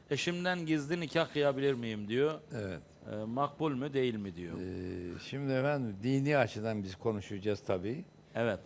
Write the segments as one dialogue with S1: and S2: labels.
S1: eşimden gizli nikah kıyabilir miyim diyor.
S2: Evet.
S1: Makbul mü değil mi diyor.
S2: Şimdi efendim dini açıdan biz konuşacağız tabii.
S1: Evet.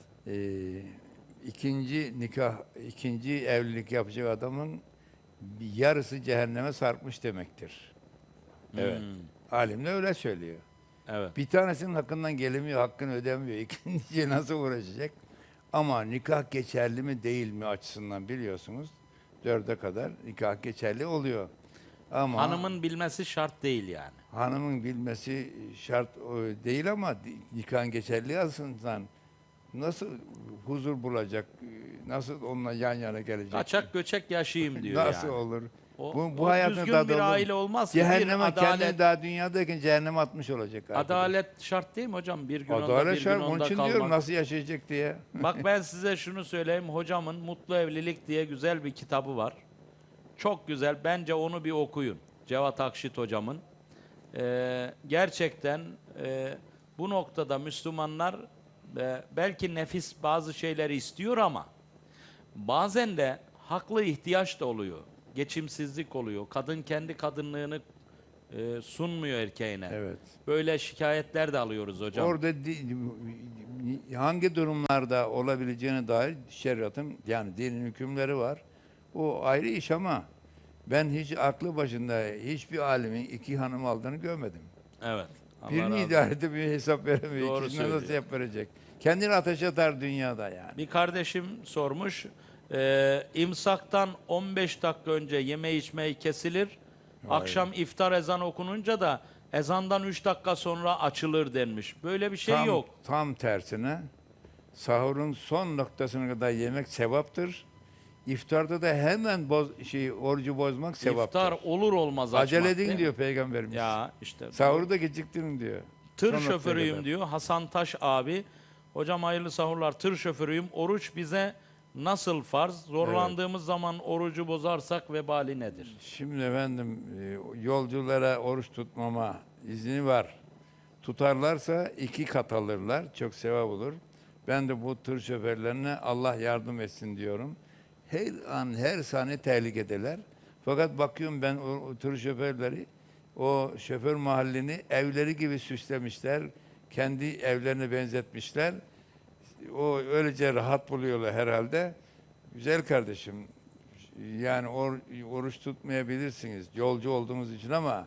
S2: İkinci nikah, ikinci evlilik yapacak adamın bir yarısı cehenneme sarkmış demektir. Evet. Alimler öyle söylüyor.
S1: Evet.
S2: Bir tanesinin hakkından gelemiyor, hakkını ödemiyor. İkinciye nasıl uğraşacak? Ama nikah geçerli mi değil mi açısından biliyorsunuz. 4'e kadar nikah geçerli oluyor. Ama
S1: Hanımın bilmesi şart değil yani.
S2: hanımın bilmesi şart değil ama nikahın geçerli açısından nasıl huzur bulacak, nasıl onunla yan yana gelecek?
S1: Kaçak göçek yaşayayım diyor
S2: Nasıl
S1: yani.
S2: olur?
S1: O,
S2: Bu
S1: o
S2: hayatın
S1: düzgün
S2: tadı
S1: bir
S2: olur mu?
S1: aile olmaz ki. Bir
S2: Cehenneme kendini
S1: adalet,
S2: daha dünyadayken cehenneme atmış olacak arkadaş.
S1: adalet şart değil mi hocam? Bir gün onda
S2: Adalet
S1: bir gün
S2: şart. Onun
S1: onda
S2: için diyorum
S1: kalmak.
S2: nasıl yaşayacak diye.
S1: Bak ben size şunu söyleyeyim. Hocamın Mutlu Evlilik diye güzel bir kitabı var. Çok güzel. Bence onu bir okuyun. Cevat Akşit hocamın. Gerçekten bu noktada Müslümanlar belki nefis bazı şeyleri istiyor ama bazen de haklı ihtiyaç da oluyor. Geçimsizlik oluyor. Kadın kendi kadınlığını sunmuyor erkeğine.
S2: Evet.
S1: Böyle şikayetler de alıyoruz hocam.
S2: Orada hangi durumlarda olabileceğine dair şeriatın yani dinin hükümleri var. O ayrı iş ama ben hiç aklı başında hiçbir alimin iki hanım aldığını görmedim.
S1: Evet. Allah
S2: Birini
S1: razı olsun.
S2: idare edip bir hesap veremiyor.
S1: Doğru
S2: İkisine nasıl
S1: söylüyor.
S2: hesap verecek? Kendini ateşe atar dünyada yani.
S1: Bir kardeşim sormuş. İmsaktan 15 dakika önce yeme içmeyi kesilir. Akşam iftar ezanı okununca da ezandan 3 dakika sonra açılır denmiş. Böyle bir şey yok.
S2: Tam tersine sahurun son noktasına kadar yemek sevaptır. İftarda da hemen orucu bozmak sevaptır.
S1: İftar olur olmaz açmak.
S2: Acele
S1: değil
S2: edin
S1: mi?
S2: diyor Peygamberimiz.
S1: Ya işte.
S2: Sahuru da geciktirin diyor.
S1: Tır
S2: Son noktaya
S1: şoförüyüm
S2: kadar.
S1: diyor Hasan Taş abi. Hocam hayırlı sahurlar, tır şoförüyüm. Oruç bize nasıl farz? Zorlandığımız zaman orucu bozarsak vebali nedir?
S2: Şimdi efendim yolculara oruç tutmama izni var. Tutarlarsa 2 kat alırlar. Çok sevap olur. Ben de bu tır şoförlerine Allah yardım etsin diyorum. Her an her saniye tehlikedeler. Fakat bakıyorum ben o tır şoförleri o şoför mahallini evleri gibi süslemişler. Kendi evlerine benzetmişler. O öylece rahat buluyorlar herhalde. Güzel kardeşim. Yani oruç tutmayabilirsiniz yolcu olduğunuz için ama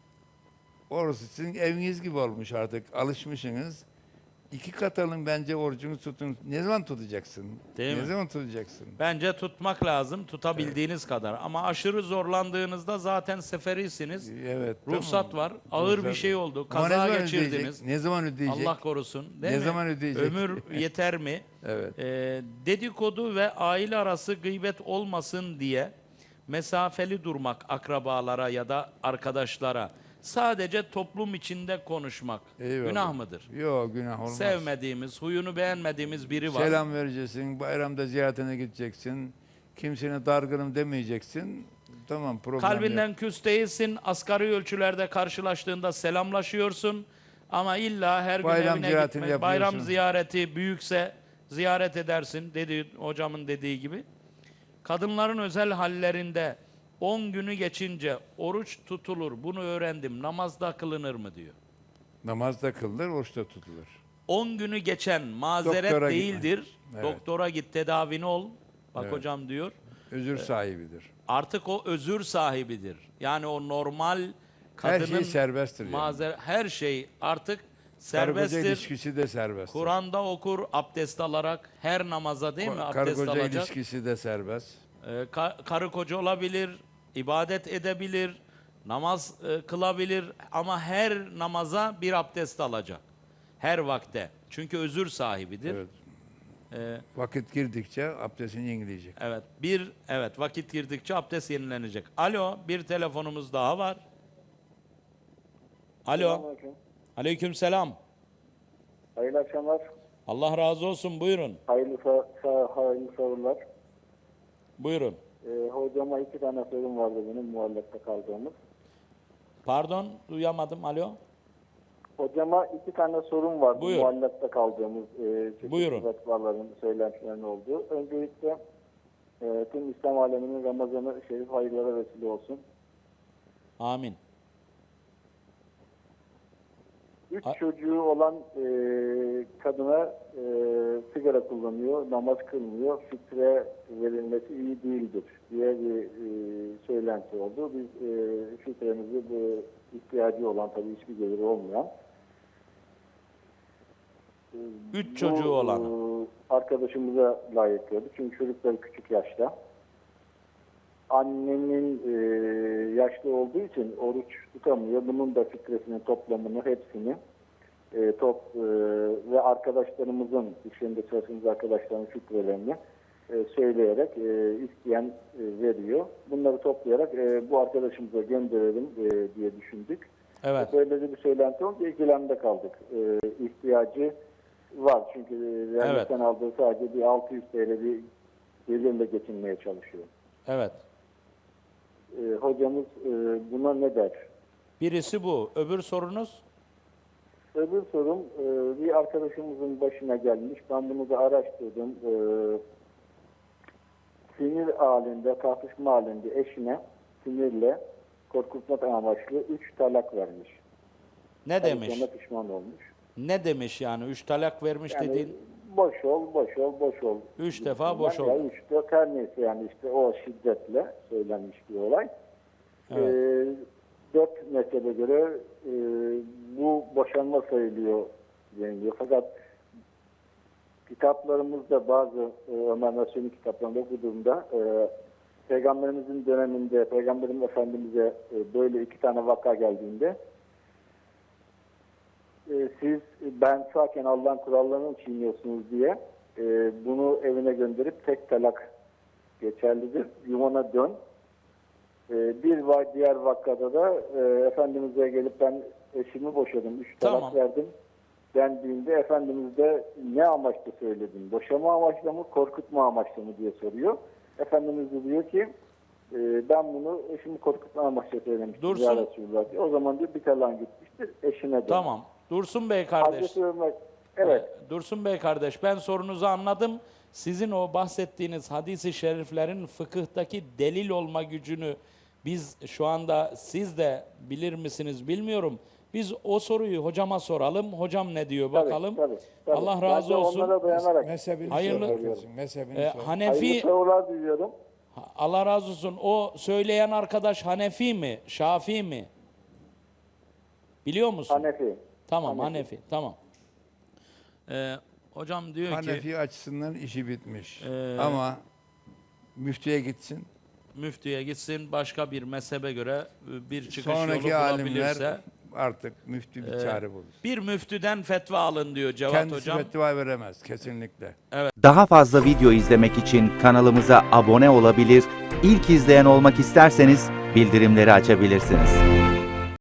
S2: orası sizin eviniz gibi olmuş artık. Alışmışsınız. 2 kat alın bence orucunu tutun. Ne zaman tutacaksın?
S1: Değil
S2: ne
S1: mi?
S2: zaman tutacaksın?
S1: Bence tutmak lazım, tutabildiğiniz kadar. Ama aşırı zorlandığınızda zaten seferisiniz.
S2: Evet.
S1: Ruhsat
S2: tamam.
S1: var. Ağır bir
S2: Ruhsat
S1: şey
S2: var.
S1: oldu.
S2: Ama ne
S1: Kaza
S2: zaman
S1: geçirdiniz.
S2: ödeyecek? Ne zaman ödeyecek?
S1: Allah korusun. Değil
S2: Ne
S1: mi?
S2: zaman ödeyecek?
S1: Ömür yeter mi?
S2: Evet.
S1: Dedikodu ve aile arası gıybet olmasın diye mesafeli durmak akrabalara ya da arkadaşlara. Sadece toplum içinde konuşmak.
S2: Eyvallah.
S1: Günah mıdır?
S2: Yok günah olmaz.
S1: Sevmediğimiz, huyunu beğenmediğimiz biri var.
S2: Selam vereceksin, bayramda ziyaretine gideceksin. Kimsine dargınım demeyeceksin. Tamam problem yok.
S1: Kalbinden küs değilsin. Asgari ölçülerde karşılaştığında selamlaşıyorsun. Ama illa her gün
S2: Bayram
S1: evine
S2: ziyaretini
S1: gitme. Bayram
S2: yapıyorsun.
S1: ziyareti büyükse ziyaret edersin. Dedi hocamın dediği gibi. Kadınların özel hallerinde 10 günü geçince oruç tutulur. Bunu öğrendim. Namazda kılınır mı diyor.
S2: Namaz da kılınır, oruç da tutulur.
S1: 10 günü geçen mazeret
S2: Doktora
S1: değildir.
S2: gitme. Evet.
S1: Doktora git tedavini ol. Bak
S2: Evet.
S1: hocam diyor.
S2: Özür sahibidir.
S1: Artık o özür sahibidir. Yani o normal
S2: Her
S1: kadının
S2: şey serbesttir yani.
S1: her şey artık
S2: Karı koca
S1: serbesttir.
S2: ilişkisi de serbesttir.
S1: Kur'an'da okur abdest alarak her namaza değil mi
S2: Karı
S1: abdest
S2: koca
S1: alacak.
S2: ilişkisi de serbest.
S1: Karı koca olabilir, ibadet edebilir, namaz kılabilir ama her namaza bir abdest alacak. Her vakte. Çünkü özür sahibidir.
S2: Evet.
S1: Ee,
S2: Vakit girdikçe abdestini yenileyecek.
S1: evet vakit girdikçe abdest yenilenecek. Alo, bir telefonumuz daha var. Alo.
S3: Selamünaleyküm.
S1: Aleykümselam.
S3: Hayırlı akşamlar.
S1: Allah razı olsun. Buyurun.
S3: Hayırlı sorular.
S1: Buyurun.
S3: Hocama 2 tane sorum vardı benim muallakta kaldığımız.
S1: Pardon, duyamadım. Alo.
S3: Hocama 2 tane sorum vardı
S1: Buyur.
S3: muallakta kaldığımız
S1: Buyurun.
S3: çeşitli fetvaların, söylentilerin olduğu. Öncelikle tüm İslam aleminin Ramazan-ı Şerif hayırlara vesile olsun.
S1: Amin.
S3: 3 çocuğu olan kadına sigara kullanıyor, namaz kılmıyor, fitre verilmesi iyi değildir diye bir söylenti oldu. Biz fitremizi bu ihtiyacı olan, tabii hiçbir geliri olmayan
S1: 3 çocuğu olan.
S3: arkadaşımıza layıklıyordu. Çünkü çocukları küçük yaşta. Annenin yaşlı olduğu için oruç tutamıyor. Bunun da fitresinin toplamını, hepsini ve arkadaşlarımızın, işlerinde çalıştığımız arkadaşların fitrelerini söyleyerek isteyen veriyor. Bunları toplayarak bu arkadaşımıza gönderelim diye düşündük.
S1: Evet.
S3: Böyle de bir söylenti oldu. İkilemde kaldık. İhtiyacı var. Çünkü devletten aldığı sadece bir 600 TL bir gelirle geçinmeye çalışıyor.
S1: Evet.
S3: Hocamız buna ne der?
S1: Birisi bu. Öbür sorunuz?
S3: Öbür sorum, bir arkadaşımızın başına gelmiş. Ben bunu da araştırdım. Sinir halinde, tartışma halinde eşine sinirle korkutmak amaçlı 3 talak vermiş.
S1: Ne
S3: Tabii
S1: demiş?
S3: sonra pişman olmuş.
S1: Ne demiş yani? 3 talak vermiş
S3: Yani
S1: dediğin?
S3: boş ol, boş ol, boş ol.
S1: 3 defa boş
S3: Ya
S1: oldu.
S3: 3-4 her neyse, yani işte o şiddetle söylenmiş bir olay.
S1: Evet.
S3: 4 mezhebe göre bu boşanma sayılıyor deniliyor. Fakat kitaplarımızda, bazı Ömer Nasuh'un kitaplarında okuduğumda Peygamberimizin döneminde Peygamberimiz Efendimiz'e böyle 2 tane vaka geldiğinde siz ben sağken Allah'ın kurallarını çiğniyorsunuz diye bunu evine gönderip tek talak geçerlidir. Yuvana dön. Diğer vakada da Efendimiz'e gelip ben eşimi boşadım, 3 talak
S1: Tamam.
S3: verdim dendiğinde Efendimiz de ne amaçla söyledin? Boşama amaçla mı, korkutma amaçla mı diye soruyor. Efendimiz de diyor ki ben bunu eşimi korkutma amaçla söylemiştim.
S1: Dursun.
S3: Ya Resulullah diyor. O zaman diyor bir talak gitmiştir, eşine dön.
S1: Tamam. Dursun Bey kardeş.
S3: Hazreti Ömer, evet.
S1: Dursun Bey kardeş, ben sorunuzu anladım. Sizin o bahsettiğiniz hadis-i şeriflerin fıkıhtaki delil olma gücünü biz şu anda, siz de bilir misiniz bilmiyorum. Biz o soruyu hocama soralım. Hocam ne diyor bakalım.
S3: Tabii.
S1: Allah
S3: Ben
S1: razı
S3: de
S1: olsun.
S3: onlara dayanarak
S2: Mezhebini
S1: Hayırlı-
S2: sor kardeşim, mezhebini sor.
S1: Hanefi,
S3: hayırlı sorular diliyorum.
S1: Allah razı olsun. O söyleyen arkadaş Hanefi mi, Şafii mi? Biliyor musun?
S3: Hanefi.
S1: Tamam,
S3: Hanefi.
S1: Hanefi. Tamam. Hocam diyor ki
S2: Hanefi açısından işi bitmiş.
S1: Ee,
S2: Ama müftüye gitsin.
S1: müftüye gitsin, başka bir mezhebe göre bir çıkış yolu
S2: Sonraki alimler
S1: bulabilirse
S2: artık müftü bir çare bulur.
S1: bir müftüden fetva alın diyor Cevat
S2: Kendisi
S1: hocam.
S2: fetva veremez kesinlikle.
S4: Daha fazla video izlemek için kanalımıza abone olabilir, ilk izleyen olmak isterseniz bildirimleri açabilirsiniz.